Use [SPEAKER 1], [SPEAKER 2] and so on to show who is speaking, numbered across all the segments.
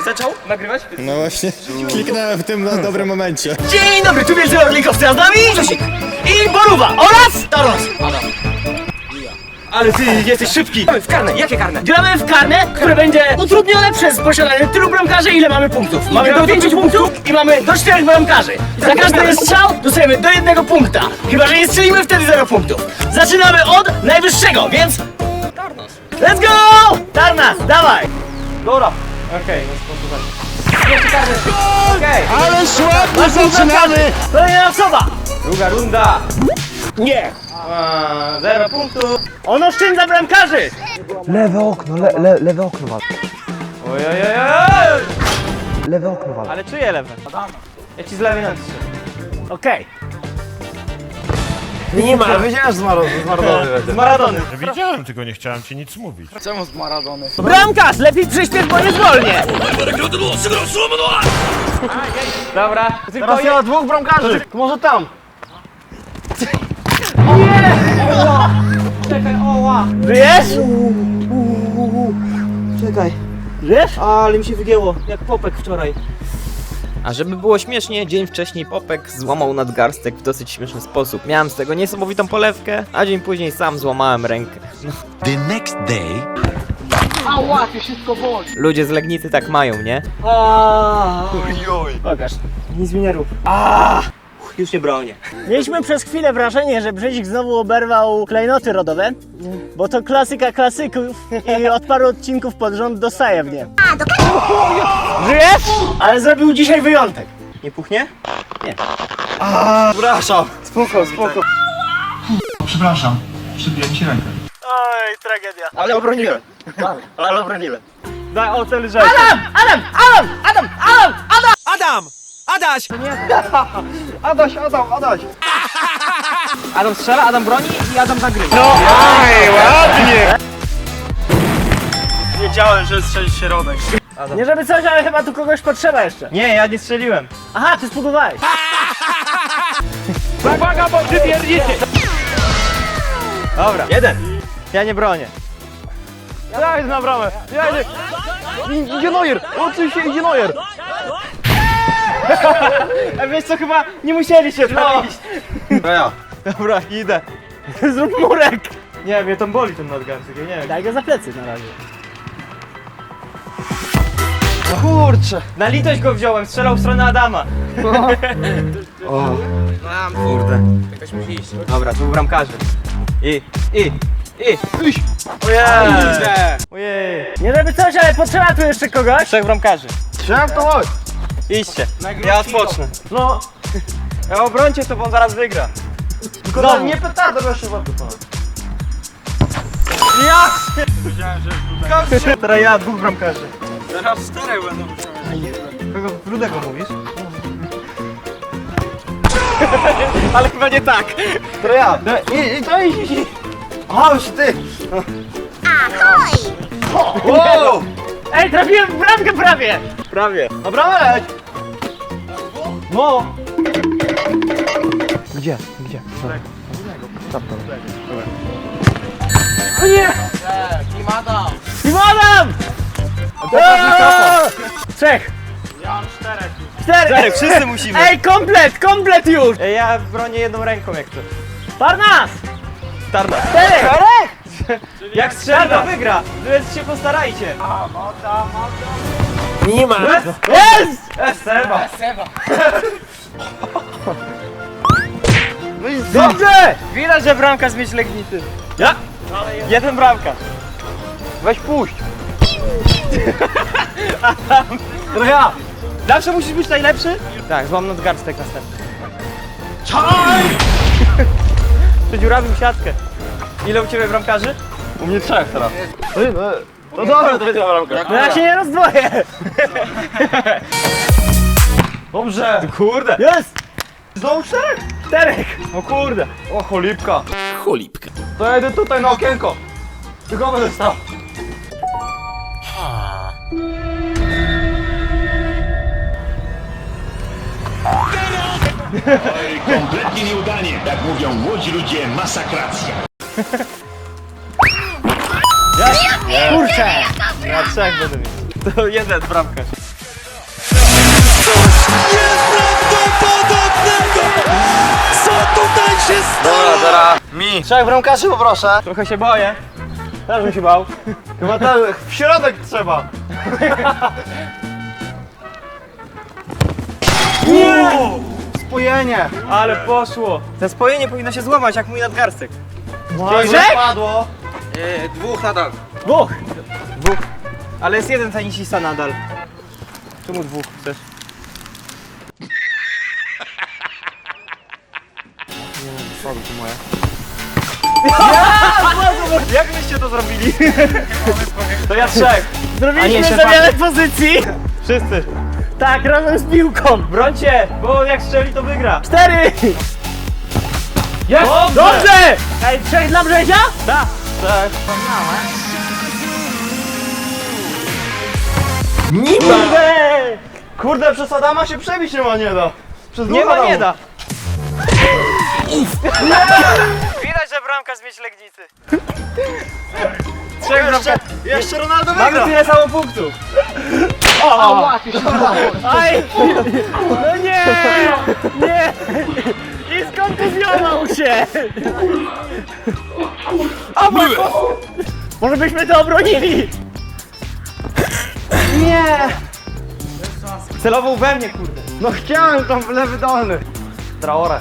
[SPEAKER 1] zaczął nagrywać?
[SPEAKER 2] No właśnie, kliknąłem w tym dobrym momencie.
[SPEAKER 1] Dzień dobry, tu wielcy orlikowcy, a z nami Grzesik i Boruwa oraz Taros. Ale ty jesteś szybki. W karne, jakie karne? Gramy w karne, które będzie utrudnione przez posiadanie tylu bramkarzy, ile mamy punktów. Mamy do 5 punktów i mamy do 4 bramkarzy. Za każdy strzał dostajemy do 1 punkta. Chyba że nie strzelimy, wtedy 0 punktów. Zaczynamy od najwyższego, więc... Tarnas. Let's go! Tarnas, dawaj! Dobra. Okej, Okej.
[SPEAKER 2] Ale ładnie zaczynamy!
[SPEAKER 1] Kolejna osoba! Druga runda! Nie! 0 punktów! On oszczędza bramkarzy!
[SPEAKER 3] Lewe okno, lewe okno wal.
[SPEAKER 1] Ojojojoj!
[SPEAKER 3] Lewe okno wal.
[SPEAKER 1] Ale czyje lewe? Ja ci z lewej na 3. Okej. Nie ma!
[SPEAKER 3] Wiedziałem, że z Maradony będzie.
[SPEAKER 1] Z Maradony.
[SPEAKER 4] Widziałem, tylko nie chciałem ci nic mówić.
[SPEAKER 1] Bramkarz! Lepiej przyśpiesz, bo nie zwolnię! Dobra. Tylko ja dwóch bramkarzy! Może tam! Nie! Czekaj, oła! Żyjesz?
[SPEAKER 3] Czekaj,
[SPEAKER 1] Żyjesz?
[SPEAKER 3] ale mi się wygięło, jak popek wczoraj.
[SPEAKER 5] A żeby było śmiesznie, dzień wcześniej Popek złamał nadgarstek w dosyć śmieszny sposób. Miałem z tego niesamowitą polewkę, a dzień później sam złamałem rękę. No.
[SPEAKER 4] The next day...
[SPEAKER 1] Ała, to wszystko boli!
[SPEAKER 5] Ludzie z Legnicy tak mają, nie?
[SPEAKER 1] Pokaż.
[SPEAKER 3] Nic mi nie rób. Już nie bronię.
[SPEAKER 1] Mieliśmy przez chwilę wrażenie, że Brzezik znowu oberwał klejnoty rodowe, bo to klasyka klasyków i od paru odcinków pod rząd dostaje w nie. Żyjesz? Ale zrobił dzisiaj wyjątek.
[SPEAKER 3] Nie puchnie?
[SPEAKER 1] Przepraszam. Spoko.
[SPEAKER 4] Przepraszam, przybiłem ci rękę.
[SPEAKER 1] Oj, tragedia. Ale obroniłem. Ale obroniłem. Daj ocel rzeczy. Adam! Adaś!
[SPEAKER 5] Adam strzela, Adam broni i Adam zagrywa.
[SPEAKER 1] No, ładnie! Wiedziałem, że strzelisz środek. Nie żeby coś, ale chyba tu kogoś potrzeba jeszcze.
[SPEAKER 5] Nie, ja nie strzeliłem.
[SPEAKER 1] Aha, ty spudowałeś. Uwaga, bo ty pierdzicie!
[SPEAKER 5] Dobra.
[SPEAKER 1] Jeden.
[SPEAKER 5] Ja nie bronię.
[SPEAKER 1] Ja idę na bramę.
[SPEAKER 3] Idzie Neuer! Oczywiście idzie Neuer!
[SPEAKER 1] A wiesz co, chyba nie musieli się trafić.
[SPEAKER 3] To ja.
[SPEAKER 5] Dobra, idę.
[SPEAKER 1] Zrób murek.
[SPEAKER 5] Nie, mnie tam boli ten nadgarstek, ja nie wiem.
[SPEAKER 1] Daj go za plecy na razie.
[SPEAKER 5] Kurczę. Na litość go wziąłem, strzelał w stronę Adama. Kurde. Jakoś musi iść. Dobra, dwóch bramkarzy. Ojej. Ojej.
[SPEAKER 1] Nie żeby coś, ale potrzeba tu jeszcze kogoś.
[SPEAKER 5] Trzech bramkarzy.
[SPEAKER 3] Chciałem to chodź!
[SPEAKER 5] Idźcie. Ja odpocznę.
[SPEAKER 1] No.
[SPEAKER 5] Ja obrońcie to, bo on zaraz wygra.
[SPEAKER 3] Tylko nie petardo, bo jeszcze ładnie to.
[SPEAKER 5] Teraz ja, dwóch bramkarzy.
[SPEAKER 1] Teraz 4 będą.
[SPEAKER 5] Kogo rudego mówisz? Ale chyba nie tak.
[SPEAKER 3] To ja. I. Aha, już ty! Wow!
[SPEAKER 1] Ej, trafiłem w bramkę prawie.
[SPEAKER 5] Prawie.
[SPEAKER 3] Dobra, leć! No!
[SPEAKER 5] Gdzie?
[SPEAKER 1] O nie! Team Adam! Trzech. Ja mam 4.
[SPEAKER 5] Cztery, wszyscy musimy.
[SPEAKER 1] Ej, komplet już!
[SPEAKER 5] Ja bronię jedną ręką jak to.
[SPEAKER 1] Parnas!
[SPEAKER 5] Tarda.
[SPEAKER 1] 4!
[SPEAKER 5] Jak strzela, to wygra. Więc się postarajcie.
[SPEAKER 1] Nie ma! Jest!
[SPEAKER 5] Seba.
[SPEAKER 1] Dobrze!
[SPEAKER 5] Widać, że bramkarz mieć Legnicy. Ja? Jeden bramkarz. Weź puść.
[SPEAKER 1] To ja!
[SPEAKER 5] Zawsze musisz być najlepszy? Tak, złam nadgarstek następny. Przedziurawił siatkę. Ile u ciebie bramkarzy?
[SPEAKER 3] U mnie 3 teraz. No dobra, to będzie bramka.
[SPEAKER 1] No ja się nie rozdwoję!
[SPEAKER 3] Dobrze!
[SPEAKER 5] Kurde.
[SPEAKER 1] Jest!
[SPEAKER 3] Znowu 4?
[SPEAKER 1] 4!
[SPEAKER 5] O kurde.
[SPEAKER 3] O, cholipka. To ja idę tutaj na okienko. Tylko będę stał.
[SPEAKER 4] Kompletnie nieudanie, jak mówią młodzi ludzie, masakracja.
[SPEAKER 1] Kurczę!
[SPEAKER 5] Ja trzech będę mieć. To jeden bramkarz.
[SPEAKER 3] Dobra, teraz mi. Trzech bramkarzy poproszę. Trochę się boję. Też bym się bał. Chyba ten, w środek trzeba. Nie! Spojenie. Ale poszło.
[SPEAKER 5] To spojenie powinno się złamać jak mój nadgarstek.
[SPEAKER 3] Że padło. Dwóch nadal.
[SPEAKER 1] Dwóch!
[SPEAKER 5] Ale jest jeden tenisista nadal. Czemu dwóch chcesz?
[SPEAKER 3] Jak byście to zrobili? To ja trzech.
[SPEAKER 1] Zrobiliśmy
[SPEAKER 5] jeszcze
[SPEAKER 1] zamianę pozycji!
[SPEAKER 3] Wszyscy.
[SPEAKER 1] Tak, razem z piłką!
[SPEAKER 3] Brońcie, bo jak strzeli to wygra.
[SPEAKER 1] 4!
[SPEAKER 3] Jest!
[SPEAKER 1] Dobrze! Ej, 3 dla Brzezia?
[SPEAKER 3] Tak. Tak.
[SPEAKER 1] Kurde!
[SPEAKER 3] Kurde, przez Adama się przebić nie da. Przez
[SPEAKER 5] Nie
[SPEAKER 3] dwóch
[SPEAKER 5] ma, nie
[SPEAKER 3] Adamów.
[SPEAKER 5] da. Widać, że bramka z Legnicy.
[SPEAKER 3] Trzech jeszcze Ronaldo
[SPEAKER 5] Mamy
[SPEAKER 3] wygra.
[SPEAKER 5] tyle samo punktów.
[SPEAKER 1] Aj! No nie! Nie! I skontuzjował się! O mój Boże! Może byśmy to obronili?
[SPEAKER 3] Celował we mnie, kurde. No chciałem tam w lewy dolny. Traore.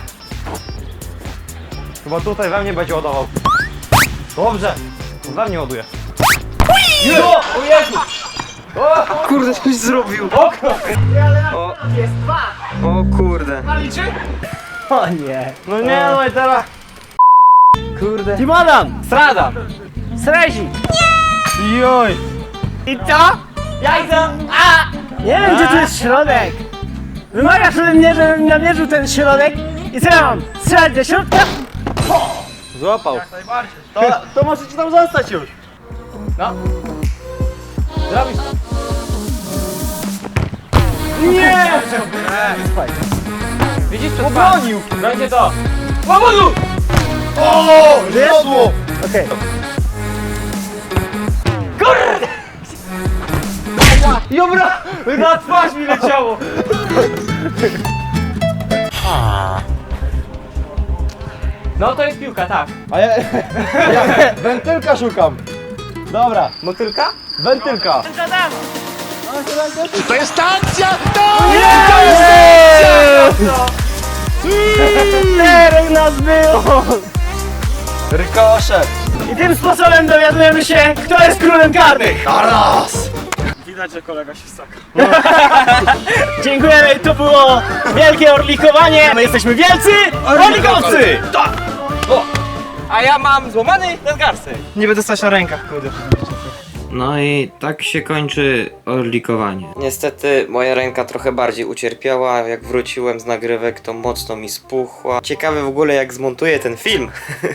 [SPEAKER 3] Chyba tutaj we mnie będzie ładował. Dobrze. We mnie ładuje. O Jezu!
[SPEAKER 5] Kurde, coś zrobił.
[SPEAKER 3] Okno!
[SPEAKER 1] Jest 2!
[SPEAKER 5] O kurde.
[SPEAKER 1] O nie!
[SPEAKER 3] No nie, no i teraz.
[SPEAKER 5] Kurde.
[SPEAKER 1] Timodan!
[SPEAKER 3] Strada!
[SPEAKER 1] Srezik!
[SPEAKER 3] Joj!
[SPEAKER 1] I co? Jajco! A! Nie wiem, gdzie tu jest środek! Wymagasz ode mnie, żebym namierzył ten środek i co ja mam? Strzelać do środka?
[SPEAKER 3] Złapał. To możecie tam zostać już. No. Zrobisz.
[SPEAKER 1] Nie!
[SPEAKER 3] Widzisz, obronił. Będzie to.
[SPEAKER 1] Powodu!
[SPEAKER 3] O! Wiodło!
[SPEAKER 1] Okej.
[SPEAKER 3] Dobra! Na twarz mi leciało!
[SPEAKER 5] No to jest piłka, tak.
[SPEAKER 3] A ja wentylka szukam. Dobra,
[SPEAKER 5] Motylka?
[SPEAKER 3] wentylka.
[SPEAKER 2] To jest akcja!
[SPEAKER 1] Czterech nas było!
[SPEAKER 3] Rykoszet.
[SPEAKER 1] I tym sposobem dowiadujemy się, kto jest królem karnych!
[SPEAKER 3] Widać, że kolega się staka.
[SPEAKER 1] Dziękujemy, to było wielkie orlikowanie! My jesteśmy wielcy orlikowcy!
[SPEAKER 5] A ja mam złamany nadgarstek.
[SPEAKER 3] Nie będę stać na rękach, kurde.
[SPEAKER 5] No i tak się kończy orlikowanie. Niestety moja ręka trochę bardziej ucierpiała. Jak wróciłem z nagrywek, to mocno mi spuchła. Ciekawe w ogóle jak zmontuję ten film.